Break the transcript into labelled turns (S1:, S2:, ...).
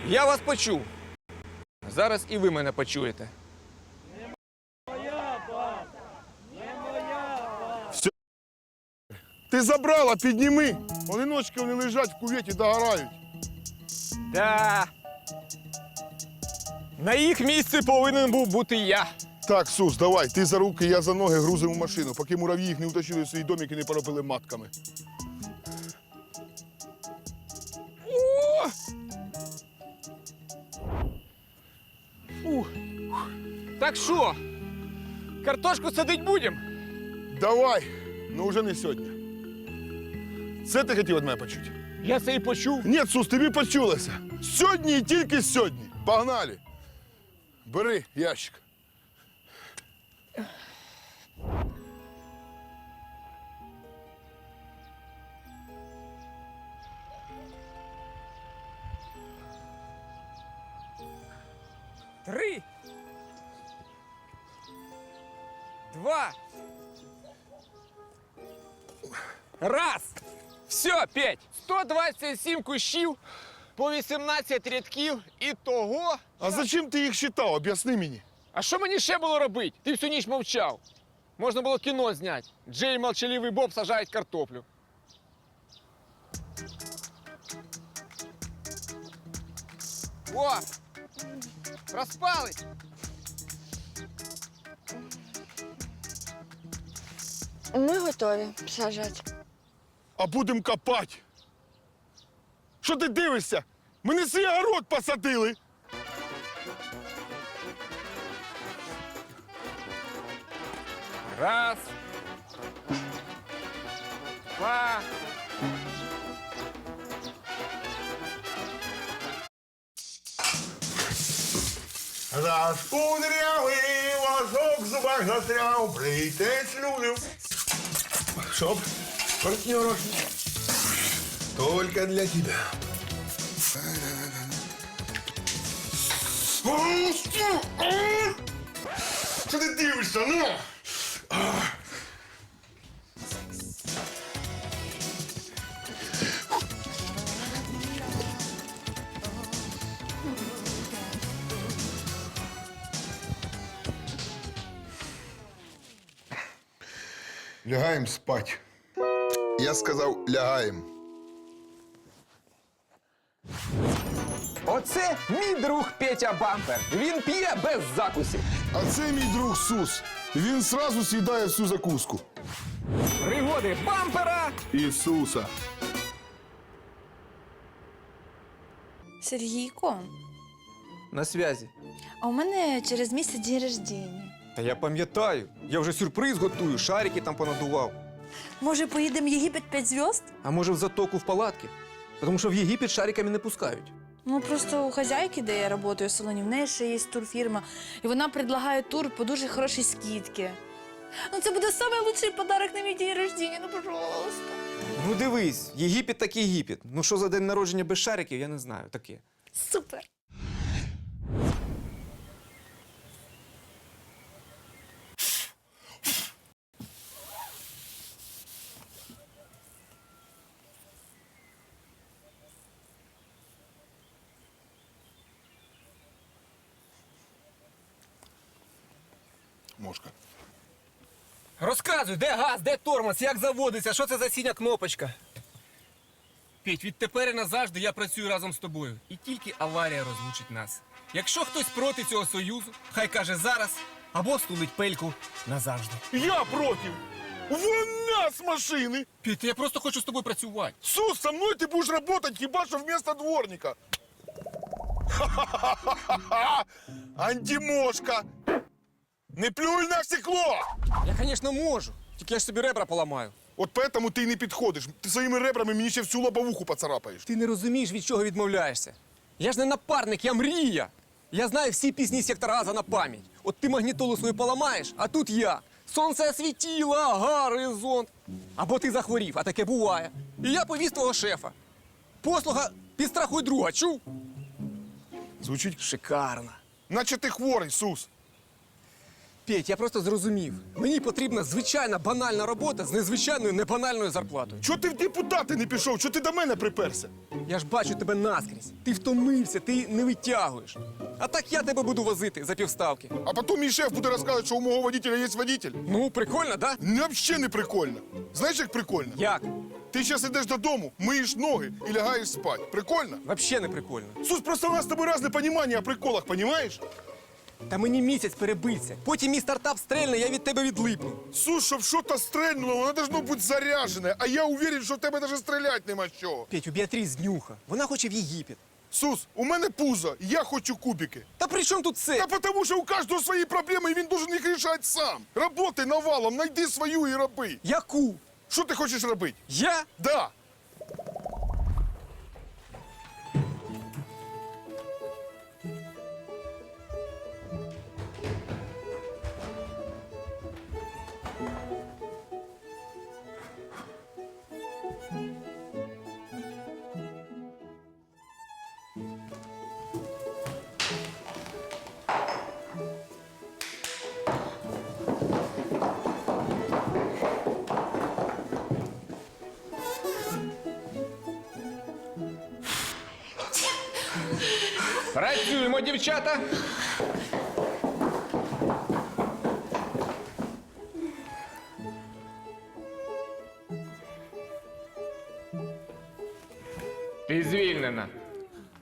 S1: Я вас почув. Зараз і ви мене почуєте.
S2: Ти забрала, підніми. Одиночки вони лежать в куветі, догорають.
S1: Да. На їх місці повинен був бути я.
S2: Так, Сус, давай, ти за руки, я за ноги грузимо в машину, поки мурав'ї їх не утащили в свій домик і не поробили матками.
S1: Так що, картошку садить будемо?
S2: Давай, ну вже не сьогодні. Це ти хотів від мене почути?
S1: Я це і почув.
S2: Ні, Сус, тобі почулося. Сьогодні і тільки сьогодні. Погнали. Бери ящик.
S1: Три. Два. Раз. Все, Петь. 127 кущів, по 18 рядків і того.
S2: А зачем ти їх считав? Об'ясни мені.
S1: А що мені ще було робити? Ти всю ніч мовчав. Можна було кіно зняти. Джей і молчаливий Боб сажають картоплю. О! Розпались!
S3: Ми готові сажати.
S2: А будемо копати. Що ти дивишся? Ми не свій город посадили.
S1: Раз. Два.
S4: Раз кудрявий ложок в зубах застряв, плетець людям. Чтоб, партнеров, только для тебя. Що ти дивишся, ну?
S2: Лягаємо спать. Я сказав, лягаємо.
S1: Оце мій друг Петя Бампер. Він п'є без закусів.
S2: А це мій друг Сус. Він сразу з'їдає всю закуску.
S1: Пригоди Бампера.
S2: Ісуса.
S3: Сергійко,
S1: На зв'язі.
S3: а у мене через місяць день рождення.
S1: Та я пам'ятаю. Я вже сюрприз готую, шарики там понадував.
S3: Може, поїдемо в Єгипет 5 зв'язд?
S1: А може в затоку в палатки? Тому що в Єгипет шариками не пускають.
S3: Ну, просто у хазяйки, де я працюю в салоні, в неї ще є турфірма, і вона предлагає тур по дуже хорошій скидці. Ну, це буде найкращий подарок на мій день рождення, ну, пожалуйста.
S1: Ну дивись, Єгипет так Єгипет. Ну що за день народження без шариків, я не знаю, таке.
S3: Супер.
S2: Мошка.
S1: Розказуй, де газ, де тормоз, як заводиться, що це за синя кнопочка? Петь, відтепер і назавжди я працюю разом з тобою. І тільки аварія розлучить нас. Якщо хтось проти цього союзу, хай каже зараз, або стулить пельку назавжди.
S2: Я проти. Вон з машини.
S1: Петь, я просто хочу з тобою працювати.
S2: Сус, со мною ти будеш працювати хіба що вместо дворника. Ха-ха-ха-ха-ха! Антимошка! Не плюй на стекло!
S1: Я, звісно, можу, тільки я ж собі ребра поламаю.
S2: От поэтому ти й не підходиш. Ти своїми ребрами мені ще всю лобовуху поцарапаєш.
S1: Ти не розумієш, від чого відмовляєшся. Я ж не напарник, я мрія. Я знаю всі пісні сектора Газа на пам'ять. От ти магнітолу свою поламаєш, а тут я. Сонце освітіло, горизонт. Або ти захворів, а таке буває. І я повіз твого шефа. Послуга підстрахуй друга, чув?
S2: Звучить,
S1: Шикарно.
S2: наче ти хворий, Сус.
S1: Петь, я просто зрозумів. Мені потрібна звичайна банальна робота з незвичайною небанальною зарплатою.
S2: Чого ти в депутати не пішов? Чого ти до мене приперся?
S1: Я ж бачу тебе наскрізь. Ти втомився, ти не витягуєш. А так я тебе буду возити за півставки.
S2: А потім мій шеф буде розказувати, що у мого водителя є водитель.
S1: Ну, прикольно, да?
S2: Взагалі не прикольно. Знаєш, як прикольно?
S1: Як?
S2: Ти зараз йдеш додому, миєш ноги і лягаєш спати. Прикольно?
S1: Вообще не прикольно.
S2: Сус, просто у нас з тобою різне розуміння о приколах, понімаєш?
S1: Та мені місяць перебиться. Потім мій стартап стрельне, я від тебе відлипну.
S2: Сус, щоб щось стрельнуло, воно должно бути заряджене, а я уверен, що в тебе навіть стріляти нема з чого.
S1: Петь, у Біатріс днюха. Вона хоче в Єгипет.
S2: Сус, у мене пузо, я хочу кубики.
S1: Та при чому тут це?
S2: Та тому що у кожного свої проблеми, і він должен їх рішати сам. Работай навалом, знайди свою і роби.
S1: Яку?
S2: Що ти хочеш робити?
S1: Я?
S2: Да.
S1: Працюємо, дівчата. Ти звільнена.